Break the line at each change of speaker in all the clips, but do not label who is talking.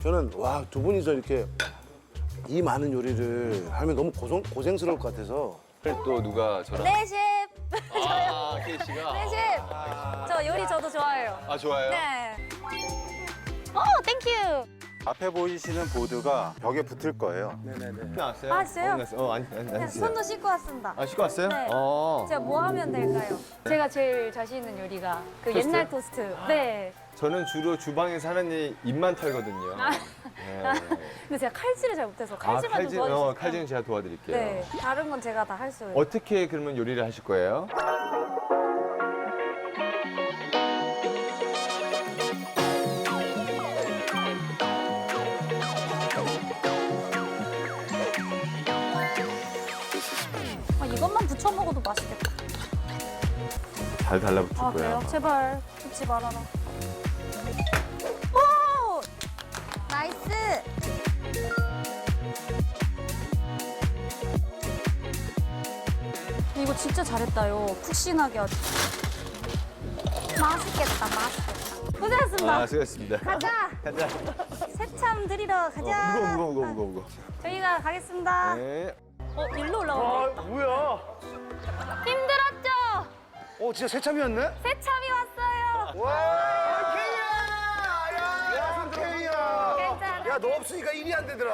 저는 와, 두 분이서 이렇게 이 많은 요리를 하면 너무 고생스러울 것 같아서.
또 누가 저랑
네, 셰프.
아, 케이 씨가
네, 셰프. 저 요리 저도 좋아해요.
아 좋아요?
네. 땡큐.
앞에 보이시는 보드가 벽에 붙을 거예요.
나왔어요?
아, 진짜요?
아니
네, 손도 씻고 왔습니다.
아 씻고 왔어요?
네. 제가 뭐 하면 될까요? 제가 제일 자신 있는 요리가 그
토스트?
옛날 토스트. 네.
저는 주로 주방에서 하는 일 입만 털거든요. 네.
근데 제가 칼질을 잘 못해서 칼질만 좀 도와주세요.
칼질은 제가 도와드릴게요.
네. 다른 건 제가 다 할 수 있어요.
어떻게 그러면 요리를 하실 거예요?
이것만 부쳐 먹어도 맛있겠다.
잘 달라붙을
아,
거야.
그래요? 제발 붙지 말아라. 오! 나이스! 이거 진짜 잘했다요. 푹신하게 아주. 맛있겠다, 맛있겠다. 고생하셨습니다.
아, 수고하셨습니다.
가자!
가자.
새참 드리러 가자.
무거워.
저희가 가겠습니다.
네.
일로 올라오면 되겠다.
뭐야?
힘들었죠?
진짜 새참이었네?
새참이 왔어요.
와, 케이야! 야, 케이야!
괜찮아.
야, 너 없으니까 일이 안 되더라.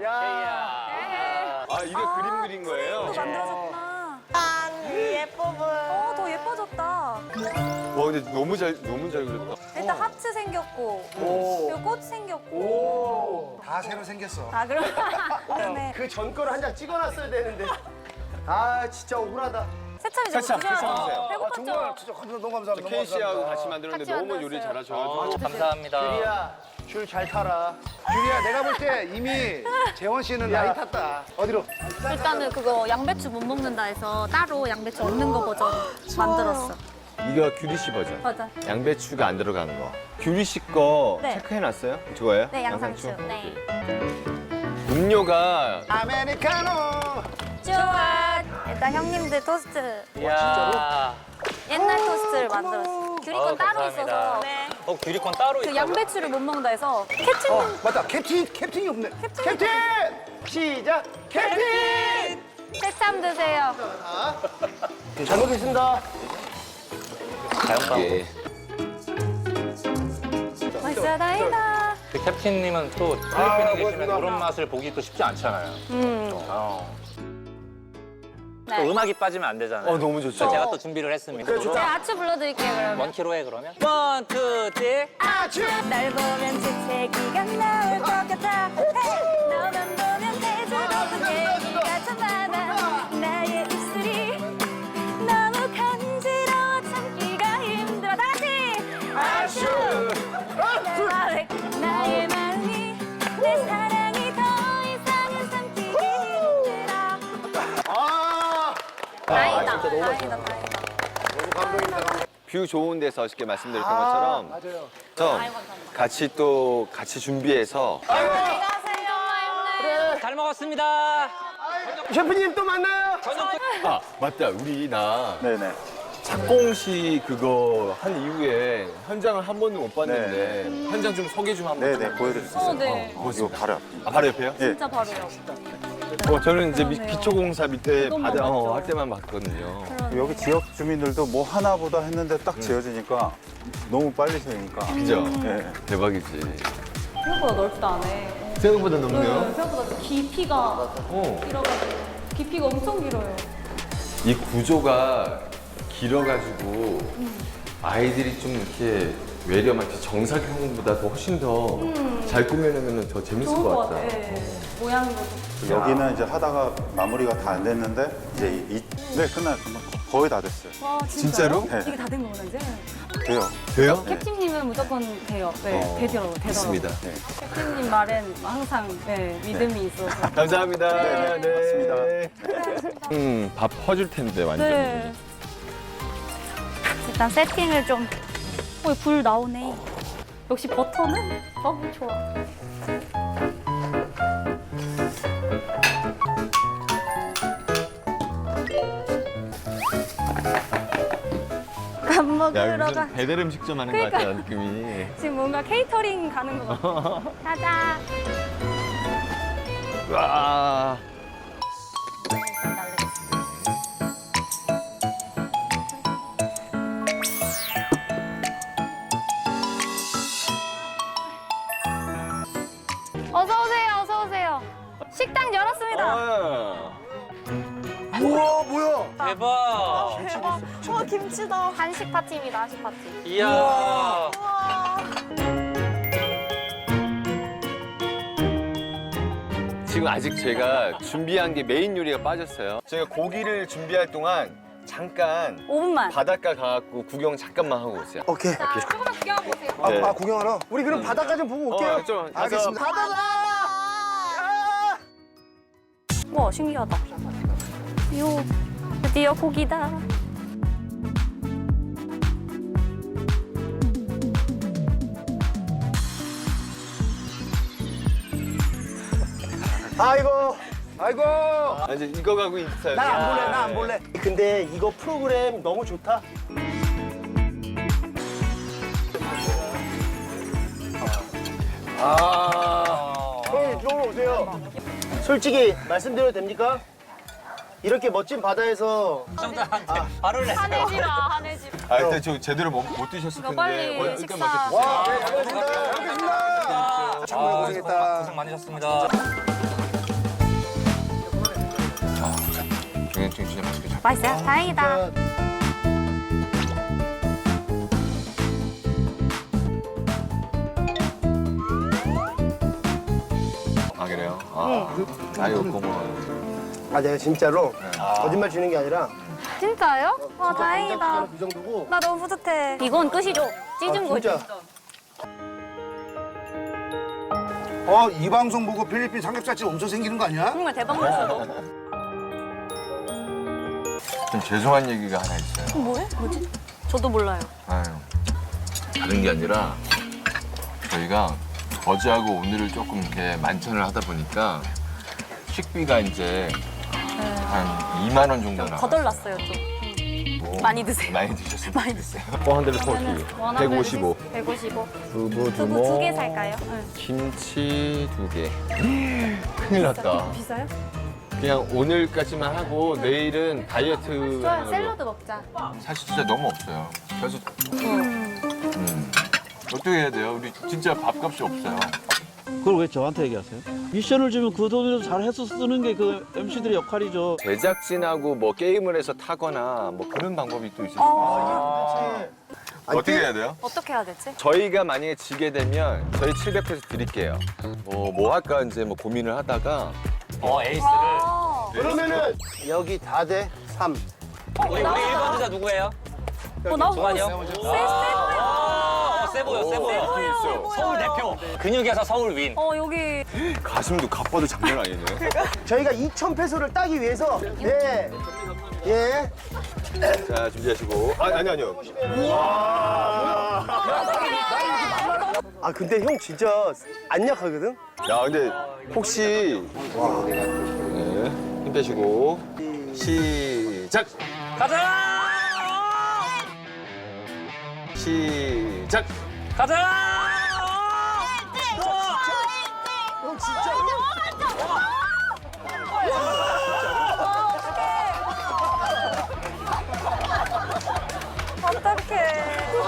네.
아, 이게 그림 그린 거예요?
또 만들어졌구나.
예뻐 보여.
더 예뻐졌다.
와, 근데 너무 잘 그렸다.
일단 하트 생겼고,
오.
그리고 꽃 생겼고.
오, 다 새로 생겼어.
아, 그럼. 그러네.
그 전 거를 한 장 찍어놨어야 되는데. 아 진짜 억울하다.
새참이 좀
새참
드셔야죠.
드세요.
아, 정말
배고팠죠?
진짜 너무 감사합니다.
케이 씨하고
너무
같이
감사합니다.
만들었는데
같이
너무 요리
만들었어요.
잘하셔가지고.
감사합니다.
유리야 줄 잘 타라.
유리야, 내가 볼 때 이미 재원 씨는 많이 탔다. 어디로?
일단은 그거 양배추 못 먹는다 해서 따로 양배추 없는 거 버전 만들었어.
이거 규리 씨 버전.
맞아.
양배추가 안 들어가는 거. 규리 씨 거
네.
체크해놨어요? 저거예요?
네, 양상추. 네.
음료가
아메리카노.
좋아. 일단 형님들 토스트.
이야.
옛날 토스트를 만들었어. 규리건 따로
감사합니다.
있어서.
네.
규리콘 따로
그
있다고?
양배추를 못 먹는다 해서 캡틴
맞다, 캡틴이 없네.
캡틴!
시작. 캡틴.
새참 드세요.
잘 먹겠습니다.
이게
맛있어 다행이다.
그 캡틴님은 또 필리핀에 계시면 그런 맛을 보기 또 쉽지 않잖아요. 또
네.
음악이 빠지면 안 되잖아요.
너무 좋죠.
그래서 제가 또 준비를 했습니다.
제가 아추 불러드릴게요 그러면.
원키로 해 그러면. 원, 투, 쓰리.
날 보면 재채기가 나올 것 같아. 헤이! 너만 보면 대수롭은 얘기가 참 많아. 나의 입술이 너무 간지러워 참기가 힘들어. 다시! 아슈! 나의 마음이 내 사랑이 더 이상은 참기기 힘들어. 다행이다. 다행이다.
뷰 좋은 데서 쉽게 말씀드렸던 것처럼
맞아요.
저 같이 준비해서
잘 먹었습니다.
셰프님 또 만나요.
아 맞다 우리
네네.
착공시 그거 한 이후에 현장을 한 번도 못 봤는데 현장 좀 소개 좀 한번
네네, 보여드릴 수 있어요.
네.
이거 바로 앞.
아 바로 옆에요?
예.
진짜 바로요.
저는 이제
그러네요.
기초공사 밑에
이것만
바다
봤죠.
할 때만 봤거든요.
여기 지역 주민들도 뭐 하나보다 했는데 딱 지어지니까 너무 빨리 지으니까.
그죠?
예.
대박이지.
생각보다 넓지도 않네.
생각보다 넓네요.
생각보다 깊이가 길어가지고 깊이가 엄청 길어요.
이 구조가 길어가지고 아이들이 좀 이렇게 외려 마치 정사각형보다 더 훨씬 더 잘 꾸며내면 더 재밌을
좋을
것
것
같다.
같아. 모양도 좋고.
여기는 이제 하다가 마무리가 다 안 됐는데 이제 네 끝나요. 거의 다 됐어요.
와
진짜로?
네.
이게 다 된 거구나 이제.
돼요.
돼요?
캡틴님은 무조건 돼요. 네, 되더라고요.
있습니다.
네.
캡틴님 말엔 항상 믿음이 있어서.
감사합니다.
네,
맞습니다. 밥 퍼줄 텐데 완전.
네. 일단 세팅을 좀. 불 나오네. 역시 버터는 너무 좋아. 밥 먹 먹으러 가.
배달 음식점 하는 것 같아요, 느낌이.
지금 뭔가 케이터링 가는 거 같아. 가자.
와.
어서 오세요. 어서 오세요. 식당 열었습니다.
우와 뭐야?
대박.
와 김치다. 한식 파티입니다. 한식 파티.
이야.
지금 아직 제가 준비한 게 메인 요리가 빠졌어요. 제가 고기를 준비할 동안 잠깐
5분만.
바닷가 가갖고 구경 잠깐만 하고 오세요.
오케이.
조금만 구경해보세요.
네.
아 구경하러?
우리 그럼 바닷가 좀 보고 올게요.
좀 가서
알겠습니다.
와 신기하다. 요 드디어 고기다.
아이고, 아이고.
이제 이거 가고 인사요.
나 안 볼래, 나 안 볼래. 근데 이거 프로그램 너무 좋다. 형님 이쪽으로 오세요. 솔직히 말씀드려도 됩니까? 이렇게 멋진 바다에서
하늘지라 하늘지라.
아, 일단 저 제대로 못 드셨을 텐데.
빨리
일단
식사.
먼저
와, 네, 잘 먹겠습니다.
정말 고생했다.
고생 많으셨습니다.
정현증 진짜 맛있게 잘.
맛있어요? 다행이다.
아 그래요? 아이고 고마워요.
아, 내가 진짜로 거짓말 치는 게 아니라
진짜요? 와 다행이다.
이 정도고.
나 너무 뿌듯해. 이건 끝이죠? 찢은 거죠?
진짜.
이 방송 보고 필리핀 삼겹살집 엄청 생기는 거 아니야?
정말 대박 났어.
좀 죄송한 얘기가 하나 있어요.
뭐해? 뭐지? 저도 몰라요.
아유, 다른 게 아니라 저희가 어제하고 오늘을 조금 이렇게 만찬을 하다 보니까 식비가 이제 한 2만 원 정도 나와요.
거덜났어요 좀. 많이 드세요.
많이 드셨어요?
많이 드세요.
포항들 터키 155.
155.
두부
두부 2개 살까요? 응.
김치 2개. 큰일 났다.
비싸요?
그냥 오늘까지만 하고 내일은 다이어트.
좋아요. 샐러드 먹자.
사실 진짜 너무 없어요. 그래서 어떻게 해야 돼요? 우리 진짜 밥값이 없어요.
그걸 왜 저한테 얘기하세요? 미션을 주면 그 돈으로 잘 해서 쓰는 게 그 MC들의 역할이죠.
제작진하고 뭐 게임을 해서 타거나 뭐 그런 방법이 또 있을 수 있어요. 어떻게 해야 돼요?
어떻게 해야 되지?
저희가 만약에 지게 되면 저희 700페소 드릴게요. 뭐 할까 이제 뭐 고민을 하다가
에이스를.
그러면은 여기 다 돼 3.
우리 1번 주자 누구예요?
나
동환이요? 세 보여, 세 보여. 서울 대표. 근육에서 서울 윈.
여기
가슴도 갑바도 장난 아니네.
저희가 2,000페소를 따기 위해서 네. 예.
자 준비하시고. 아니요.
아 근데 형 진짜 안 약하거든?
야 근데 혹시 네, 힘 빼시고 시작.
가자!
시작.
가자!
형 진짜.
어떡해.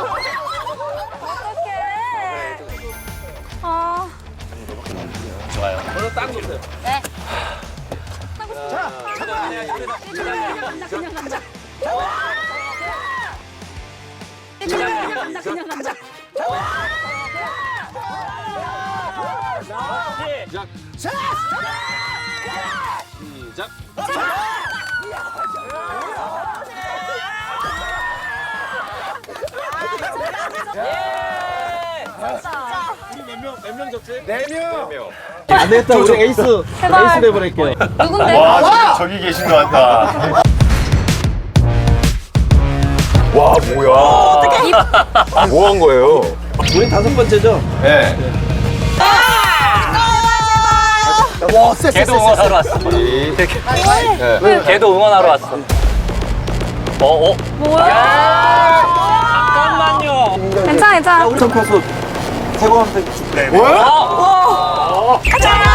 아.
좋아요. 오늘 딱 좋어요.
네. 그냥 감자.
시작.
안 되겠다. 우리 에이스 내보낼게요.
누군데?
저기 계신 것 같다. 와 뭐야? 뭐 한 거예요?
우리 5번째죠?
네.
와, 쎄.
걔도 응원하러 왔어. 걔도 응원하러 왔어.
뭐야? 괜찮아.
우리 가서 태광한테 줄게.
가자!